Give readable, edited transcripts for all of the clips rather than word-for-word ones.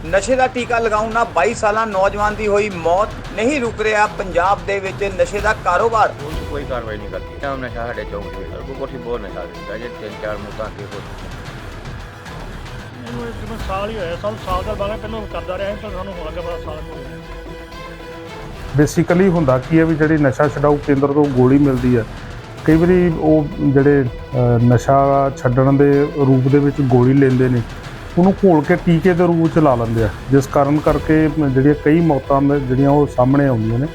ਨਸ਼ੇ ਦਾ ਟੀਕਾ ਲਗਾਉਣ ਨਾਲ 22 ਸਾਲਾ ਨੌਜਵਾਨ ਦੀ ਹੋਈ ਮੌਤ। ਨਹੀਂ ਰੁਕ ਰਿਹਾ ਪੰਜਾਬ ਦੇ ਵਿੱਚ ਨਸ਼ੇ ਦਾ ਕਾਰੋਬਾਰ। ਪੁਲਿਸ ਕੋਈ ਕਾਰਵਾਈ ਨਹੀਂ ਕਰਦੀ। ਤਾਂ ਨਸ਼ਾ ਸਾਡੇ ਚੌਂਕ ਦੇ ਵਿੱਚ ਕੋਈ ਕੋਠੀ ਬਹੁਤ ਨਸ਼ਾ ਵੇਚਦਾ ਜੇ 3-4 ਮੁੱਦਾਂ ਅੱਗੇ ਹੋ ਇਹਨੂੰ ਤਕਰੀਬਨ ਸਾਲ ਹੀ ਹੋਇਆ। ਸਾਲ ਦਾ ਬਾਅਦ ਪਹਿਲਾਂ ਕਰਦਾ ਰਿਹਾ ਪਰ ਸਾਨੂੰ ਹੁਣ ਲੱਗਾ ਪਤਾ ਸਾਲ ਹੋ ਗਿਆ। ਬੇਸਿਕਲੀ ਹੁੰਦਾ ਕੀ ਹੈ ਵੀ ਜਿਹੜੀ ਨਸ਼ਾ ਛਡਾਊ ਕੇਂਦਰ ਤੋਂ ਗੋਲੀ ਮਿਲਦੀ ਹੈ, ਕਈ ਵਾਰੀ ਉਹ ਜਿਹੜੇ ਨਸ਼ਾ ਛੱਡਣ ਦੇ ਰੂਪ ਦੇ ਵਿੱਚ ਗੋਲੀ ਲੈਂਦੇ ਨੇ, ਉਹਨੂੰ ਘੋਲ ਕੇ ਟੀਕੇ ਦੇ ਰੂਪ 'ਚ ਲਾ ਲੈਂਦੇ ਆ, ਜਿਸ ਕਾਰਨ ਕਰਕੇ ਜਿਹੜੀਆਂ ਕਈ ਮੌਤਾਂ ਜਿਹੜੀਆਂ ਉਹ ਸਾਹਮਣੇ ਆਉਂਦੀਆਂ ਨੇ।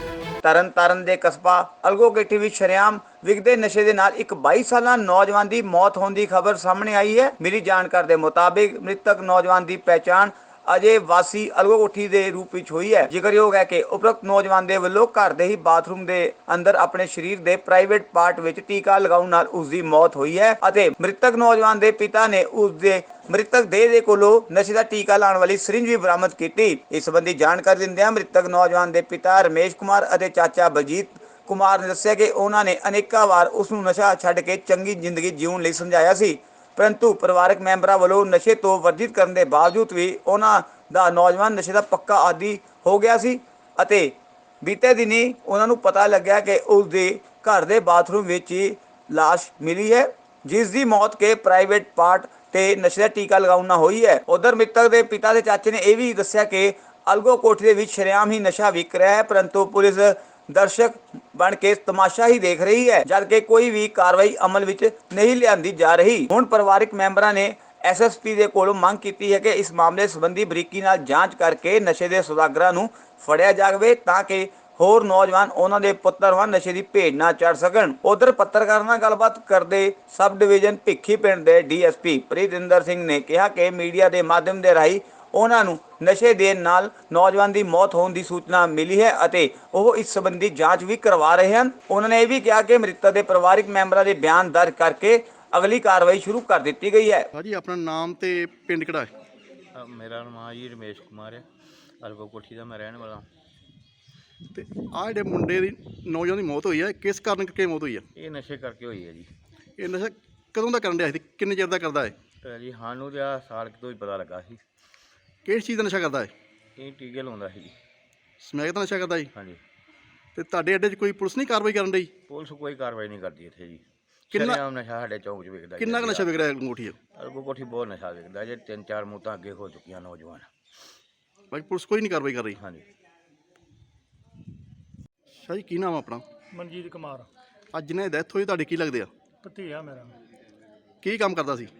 ਤਰਨਤਾਰਨ ਦੇ ਕਸਬਾ ਅਲਗੋਗੇਟੀ ਵਿੱਚ ਸ਼ਰੇਆਮ ਵਿਕਦੇ ਨਸ਼ੇ ਦੇ ਨਾਲ ਇੱਕ 22 ਸਾਲਾ ਨੌਜਵਾਨ ਦੀ ਮੌਤ ਹੋਣ ਦੀ ਖਬਰ ਸਾਹਮਣੇ ਆਈ ਹੈ। ਮਿਲੀ ਜਾਣਕਾਰੀ ਦੇ ਮੁਤਾਬਿਕ ਮ੍ਰਿਤਕ ਨੌਜਵਾਨ ਦੀ ਪਹਿਚਾਣ ਅਜੇ ਵਾਸੀ ਅਲਗੋਗੇਟੀ ਦੇ ਰੂਪ ਵਿੱਚ ਹੋਈ ਹੈ। ਜ਼ਿਕਰਯੋਗ ਹੈ ਕਿ ਉਪਰੋਕਤ ਨੌਜਵਾਨ ਦੇ ਵੱਲੋਂ ਘਰ ਦੇ ਹੀ ਬਾਥਰੂਮ ਦੇ ਅੰਦਰ ਆਪਣੇ ਸਰੀਰ ਦੇ ਪ੍ਰਾਈਵੇਟ ਪਾਰਟ ਵਿੱਚ ਟੀਕਾ ਲਗਾਉਣ ਨਾਲ ਉਸ ਦੀ ਮੌਤ ਹੋਈ ਹੈ ਅਤੇ ਮ੍ਰਿਤਕ ਨੌਜਵਾਨ ਦੇ ਪਿਤਾ ਨੇ ਉਸ ਦੇ ਮ੍ਰਿਤਕ ਦੇਹ ਦੇ ਕੋਲੋਂ ਨਸ਼ੇ ਦਾ ਟੀਕਾ ਲਾਉਣ ਵਾਲੀ ਸਿਰਿੰਜ ਵੀ ਬਰਾਮਦ ਕੀਤੀ। ਇਸ ਸੰਬੰਧੀ ਜਾਣਕਾਰੀ ਦਿੰਦਿਆਂ ਮ੍ਰਿਤਕ ਨੌਜਵਾਨ ਦੇ ਪਿਤਾ ਰਮੇਸ਼ ਕੁਮਾਰ ਅਤੇ ਚਾਚਾ ਬਲਜੀਤ ਕੁਮਾਰ ਨੇ ਦੱਸਿਆ ਕਿ ਉਹਨਾਂ ਨੇ ਅਨੇਕਾਂ ਵਾਰ ਉਸ ਨੂੰ ਨਸ਼ਾ ਛੱਡ ਕੇ ਚੰਗੀ ਜ਼ਿੰਦਗੀ ਜਿਉਣ ਲਈ ਸਮਝਾਇਆ ਸੀ, ਪਰੰਤੂ ਪਰਿਵਾਰਕ ਮੈਂਬਰਾਂ ਵੱਲੋਂ ਨਸ਼ੇ ਤੋਂ ਵਰਜਿਤ ਕਰਨ ਦੇ ਬਾਵਜੂਦ ਵੀ ਉਹਨਾਂ ਦਾ ਨੌਜਵਾਨ ਨਸ਼ੇ ਦਾ ਪੱਕਾ ਆਦੀ ਹੋ ਗਿਆ ਸੀ ਅਤੇ ਬੀਤੇ ਦਿਨੀ ਉਹਨਾਂ ਨੂੰ ਪਤਾ ਲੱਗਿਆ ਕਿ ਉਸ ਦੇ ਘਰ ਦੇ ਬਾਥਰੂਮ ਵਿੱਚ ਹੀ ਲਾਸ਼ ਮਿਲੀ ਹੈ, ਜਿਸ ਦੀ ਮੌਤ ਕੇ ਪ੍ਰਾਈਵੇਟ ਪਾਰਟ ਤੇ ਨਸ਼ੇ ਦਾ ਟੀਕਾ ਲਗਾਉਣ ਨਾਲ ਹੋਈ ਹੈ। ਉਧਰ ਮ੍ਰਿਤਕ ਦੇ ਪਿਤਾ ਦੇ ਚਾਚੇ ਨੇ ਇਹ ਵੀ ਦੱਸਿਆ ਕਿ ਅਲਗੋਗੇਟੀ ਦੇ ਵਿੱਚ ਸ਼ਰੇਆਮ ਹੀ ਨਸ਼ਾ ਵਿਕ ਰਿਹਾ ਹੈ, ਪਰੰਤੂ ਪੁਲਿਸ ਦਰਸ਼ਕ ਬਣ ਕੇ ਤਮਾਸ਼ਾ ਹੀ ਦੇਖ ਰਹੀ ਹੈ, ਜਦਕਿ ਕੋਈ ਵੀ ਕਾਰਵਾਈ ਅਮਲ ਵਿੱਚ ਨਹੀਂ ਲਿਆਂਦੀ ਜਾ ਰਹੀ। ਹੁਣ ਪਰਿਵਾਰਕ ਮੈਂਬਰਾਂ ਨੇ ਐਸਐਸਪੀ ਦੇ ਕੋਲੋਂ ਮੰਗ ਕੀਤੀ ਹੈ ਕਿ ਇਸ ਮਾਮਲੇ ਸੰਬੰਧੀ ਬਰੀਕੀ ਨਾਲ ਜਾਂਚ ਕਰਕੇ ਨਸ਼ੇ ਦੇ ਸੌਦਾਗਰਾਂ ਨੂੰ ਫੜਿਆ ਜਾਵੇ ਤਾਂ ਕਿ ਹੋਰ ਨੌਜਵਾਨ ਉਹਨਾਂ ਦੇ ਪੁੱਤਰ ਵਾਂ ਨਸ਼ੇ ਦੀ ਭੇਟ ਨਾ ਚੜ ਸਕਣ। ਉਧਰ ਪੱਤਰਕਾਰਾਂ ਨਾਲ ਗੱਲਬਾਤ ਕਰਦੇ ਸਬ ਡਿਵੀਜ਼ਨ ਭਿੱਖੀ ਪਿੰਡ ਦੇ ਡੀਐਸਪੀ ਪ੍ਰੀਤਿੰਦਰ ਸਿੰਘ ਨੇ ਕਿਹਾ ਕਿ ਮੀਡੀਆ ਦੇ ਮਾਧਿਅਮ ਦੇ ਰਾਹੀਂ ਉਹਨਾਂ ਨੂੰ ਨਸ਼ੇ ਦੇਣ ਨਾਲ ਨੌਜਵਾਨ ਦੀ ਮੌਤ ਹੋਣ ਦੀ ਸੂਚਨਾ ਮਿਲੀ ਹੈ ਅਤੇ ਉਹ ਇਸ ਸੰਬੰਧੀ ਜਾਂਚ ਵੀ ਕਰਵਾ ਰਹੇ ਹਨ। ਉਹਨਾਂ ਨੇ ਇਹ ਵੀ ਕਿਹਾ ਕਿ ਮ੍ਰਿਤਕ ਦੇ ਪਰਿਵਾਰਕ ਮੈਂਬਰਾਂ ਦੇ ਬਿਆਨ ਦਰਜ ਕਰਕੇ ਅਗਲੀ ਕਾਰਵਾਈ ਸ਼ੁਰੂ ਕਰ ਦਿੱਤੀ ਗਈ ਹੈ। ਹਾਂਜੀ, ਆਪਣਾ ਨਾਮ ਤੇ ਪਿੰਡ ਕਿਹੜਾ ਹੈ? ਮੇਰਾ ਨਾਮ ਜੀ ਰਮੇਸ਼ ਕੁਮਾਰ ਹੈ, ਅਲਗੋਗੇਟੀ ਦਾ ਮੈਂ ਰਹਿਣ ਵਾਲਾ। ਤੇ ਆਹ ਜਿਹੜੇ ਮੁੰਡੇ ਦੀ ਨੌਜਵਾਨ ਦੀ ਮੌਤ ਹੋਈ ਹੈ, ਕਿਸ ਕਾਰਨ ਕਰਕੇ ਮੌਤ ਹੋਈ ਹੈ? ਇਹ ਨਸ਼ੇ ਕਰਕੇ ਹੋਈ ਹੈ ਜੀ। ਇਹ ਨਸ਼ਾ ਕਦੋਂ ਦਾ ਕਰਨ ਰਿਹਾ ਸੀ, ਕਿੰਨੇ ਚਿਰ ਦਾ ਕਰਦਾ ਹੈ? ਤੇ ਜੀ ਸਾਨੂੰ ਤਾਂ ਆਹ ਸਾਲ ਤੋਂ ਹੀ ਪਤਾ ਲੱਗਾ ਸੀ। ਕਿਹੜੀ ਚੀਜ਼ ਦਾ ਨਸ਼ਾ ਕਰਦਾ ਹੈ? ਇਹ ਟੀਕੇ ਲਾਉਂਦਾ ਸੀ ਜੀ। ਸਮੈਕ ਦਾ ਨਸ਼ਾ ਕਰਦਾ ਜੀ। ਹਾਂਜੀ। ਤੇ ਤੁਹਾਡੇ ਅੱਡੇ 'ਚ ਕੋਈ ਪੁਲਿਸ ਨਹੀਂ ਕਾਰਵਾਈ ਕਰਨ ਡਈ? ਪੁਲਿਸ ਕੋਈ ਕਾਰਵਾਈ ਨਹੀਂ ਕਰਦੀ ਇੱਥੇ ਜੀ। ਕਿੰਨਾ ਨਸ਼ਾ ਸਾਡੇ ਚੌਂਕ 'ਚ ਵਿਕਦਾ। ਕਿੰਨਾ ਕੁ ਨਸ਼ਾ ਵਿਕ ਰਿਹਾ ਅੰਗੂਠੀ? ਅਲਗੋਗੇਟੀ ਬਹੁਤ ਨਸ਼ਾ ਵਿਕਦਾ ਜੇ 3-4 ਮੁੱਦਾਂ ਅੱਗੇ ਹੋ ਚੁੱਕੀਆਂ ਨੌਜਵਾਨ। ਬਾਕੀ ਪੁਲਿਸ ਕੋਈ ਨਹੀਂ ਕਾਰਵਾਈ ਕਰ ਰਹੀ। ਹਾਂਜੀ। ਸ਼ਾਹ ਜੀ, ਕੀ ਨਾਮ ਆ ਆਪਣਾ? ਮਨਜੀਤ ਕੁਮਾਰ ਅੱਜ ਜਿਹਨੇ ਡੈਥ ਹੋਈ ਤੁਹਾਡੇ ਕੀ ਲੱਗਦੇ ਆ? ਭਤੀਆ ਮੇਰਾ। ਕੀ ਕੰਮ ਕਰਦਾ ਸੀ?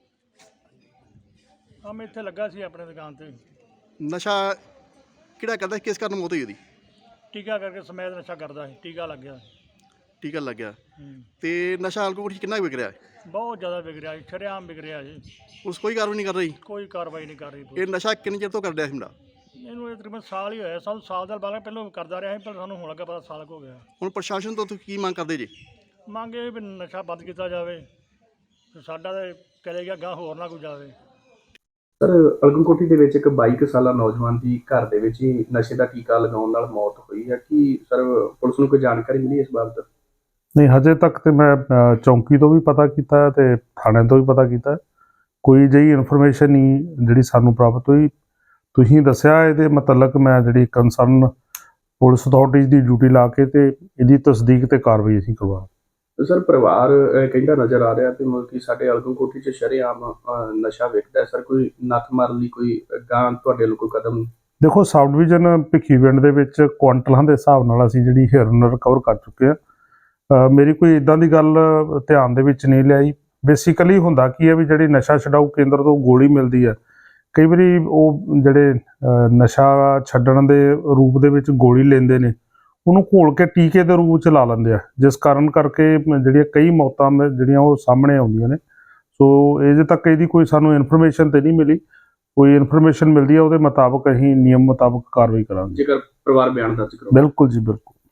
ਮੈਂ ਇੱਥੇ ਲੱਗਾ ਸੀ ਆਪਣੇ ਦੁਕਾਨ ਤੇ। ਨਸ਼ਾ ਕਿਹੜਾ ਕਰਦਾ ਸੀ, ਕਿਸ ਕਾਰਨ ਮੌਤ ਹੋਈ ਉਹਦੀ? ਟੀਕਾ ਕਰਕੇ ਸਮੈਦ ਨਸ਼ਾ ਕਰਦਾ ਸੀ, ਟੀਕਾ ਲੱਗ ਗਿਆ। ਟੀਕਾ ਲੱਗ ਗਿਆ। ਤੇ ਨਸ਼ਾ ਅੰਗੂਠੀ ਕਿੰਨਾ ਕੁ ਵਿਕ ਰਿਹਾ ਹੈ? ਬਹੁਤ ਜ਼ਿਆਦਾ ਵਿਕ ਰਿਹਾ ਜੀ, ਸ਼ਰੇਆਮ ਵਿਕ ਰਿਹਾ ਜੀ। ਪੁਲਿਸ ਕੋਈ ਕਾਰਵਾਈ ਨਹੀਂ ਕਰ ਰਹੀ? ਕੋਈ ਕਾਰਵਾਈ ਨਹੀਂ ਕਰ ਰਹੀ। ਇਹ ਨਸ਼ਾ ਕਿੰਨੇ ਚਿਰ ਤੋਂ ਕਰ ਰਿਹਾ ਸੀ ਮੁੰਡਾ? ਇਹਨੂੰ ਤਕਰੀਬਨ ਸਾਲ ਹੀ ਹੋਇਆ। ਸਾਲ ਦਾ ਬਾਅਦ ਪਹਿਲਾਂ ਕਰਦਾ ਰਿਹਾ ਸੀ ਪਰ ਸਾਨੂੰ ਹੁਣ ਲੱਗਾ ਪਤਾ ਸਾਲ ਹੋ ਗਿਆ। ਹੁਣ ਪ੍ਰਸ਼ਾਸਨ ਤੋਂ ਤੁਸੀਂ ਕੀ ਮੰਗ ਕਰਦੇ ਜੀ? ਮੰਗ ਇਹ ਵੀ ਨਸ਼ਾ ਬੰਦ ਕੀਤਾ ਜਾਵੇ ਤੇ ਸਾਡਾ ਤਾਂ ਚਲੇ ਗਿਆ ਗਾਂ, ਹੋਰ ਨਾ ਕੋਈ ਜਾਵੇ। ਸਰ, ਅਲਗੋਗੇਟੀ ਦੇ ਵਿੱਚ ਇੱਕ 22 ਸਾਲਾ ਨੌਜਵਾਨ ਦੀ ਘਰ ਦੇ ਵਿੱਚ ਹੀ ਨਸ਼ੇ ਦਾ ਟੀਕਾ ਲਗਾਉਣ ਨਾਲ ਮੌਤ ਹੋਈ ਹੈ। ਕੀ ਸਰ ਪੁਲਿਸ ਨੂੰ ਕੋਈ ਜਾਣਕਾਰੀ ਮਿਲੀ ਇਸ ਬਾਬਤ? ਨਹੀਂ, ਹਜੇ ਤੱਕ ਤੇ ਮੈਂ ਚੌਂਕੀ ਤੋਂ ਵੀ ਪਤਾ ਕੀਤਾ ਤੇ ਥਾਣੇ ਤੋਂ ਵੀ ਪਤਾ ਕੀਤਾ, ਕੋਈ ਜਿਹੀ ਇਨਫੋਰਮੇਸ਼ਨ ਨਹੀਂ ਜਿਹੜੀ ਸਾਨੂੰ ਪ੍ਰਾਪਤ ਹੋਈ। ਤੁਸੀਂ ਦੱਸਿਆ ਇਹਦੇ ਮੁਤਲਕ ਮੈਂ ਜਿਹੜੀ ਕੰਸਰਨ ਪੁਲਿਸ ਅਥਾਰਟੀਜ਼ ਦੀ ਡਿਊਟੀ ਲਾ ਕੇ ਤੇ ਇਹਦੀ ਤਸਦੀਕ ਤੇ ਕਾਰਵਾਈ ਅਸੀਂ ਕਰਵਾ। ਸਰ, ਪਰਿਵਾਰ ਕਹਿੰਦਾ ਨਜ਼ਰ ਆ ਰਿਹਾ ਤੇ ਮਤਲਬ ਕਿ ਸਾਡੇ ਅਲਗੋਗੇਟੀ 'ਚ ਸ਼ਰੇਆਮ ਨਸ਼ਾ ਵਿਕਦਾ। ਸਰ, ਕੋਈ ਨੱਥ ਮਾਰਨ ਲਈ ਕੋਈ ਗਾਂ ਤੁਹਾਡੇ ਵੱਲੋਂ ਕੋਈ ਕਦਮ? ਦੇਖੋ, ਸਬ ਡਿਵੀਜ਼ਨ ਭਿੱਖੀ ਪਿੰਡ ਦੇ ਵਿੱਚ ਕੁਆਂਟਲਾਂ ਦੇ ਹਿਸਾਬ ਨਾਲ ਅਸੀਂ ਜਿਹੜੀ ਹਿਰਨ ਰਿਕਵਰ ਕਰ ਚੁੱਕੇ ਹਾਂ। ਮੇਰੀ ਕੋਈ ਇਦਾਂ ਦੀ ਗੱਲ ਧਿਆਨ ਦੇ ਵਿੱਚ ਨਹੀਂ ਲਿਆਈ। ਬੇਸਿਕਲੀ ਹੁੰਦਾ ਕੀ ਹੈ ਵੀ ਜਿਹੜੀ ਨਸ਼ਾ ਛਡਾਊ ਕੇਂਦਰ ਤੋਂ ਗੋਲੀ ਮਿਲਦੀ ਹੈ, ਕਈ ਵਾਰੀ ਉਹ ਜਿਹੜੇ ਨਸ਼ਾ ਛੱਡਣ ਦੇ ਰੂਪ ਦੇ ਵਿੱਚ ਗੋਲੀ ਲੈਂਦੇ ਨੇ, ਉਹਨੂੰ ਘੋਲ ਕੇ ਟੀਕੇ ਦੇ ਰੂਪ 'ਚ ਲਾ ਲੈਂਦੇ ਆ, ਜਿਸ ਕਾਰਨ ਕਰਕੇ ਜਿਹੜੀਆਂ ਕਈ ਮੌਤਾਂ ਜਿਹੜੀਆਂ ਉਹ ਸਾਹਮਣੇ ਆਉਂਦੀਆਂ ਨੇ। ਸੋ ਅਜੇ ਤੱਕ ਇਹਦੀ ਕੋਈ ਸਾਨੂੰ ਇਨਫੋਰਮੇਸ਼ਨ ਤੇ ਨਹੀਂ ਮਿਲੀ। ਕੋਈ ਇਨਫੋਰਮੇਸ਼ਨ ਮਿਲਦੀ ਹੈ ਉਹਦੇ ਮੁਤਾਬਕ ਅਸੀਂ ਨਿਯਮ ਮੁਤਾਬਕ ਕਾਰਵਾਈ ਕਰਾਂਗੇ। ਜੇਕਰ ਪਰਿਵਾਰ ਬਿਆਨ ਦਰਜ ਕਰੋ। ਬਿਲਕੁਲ ਜੀ, ਬਿਲਕੁਲ।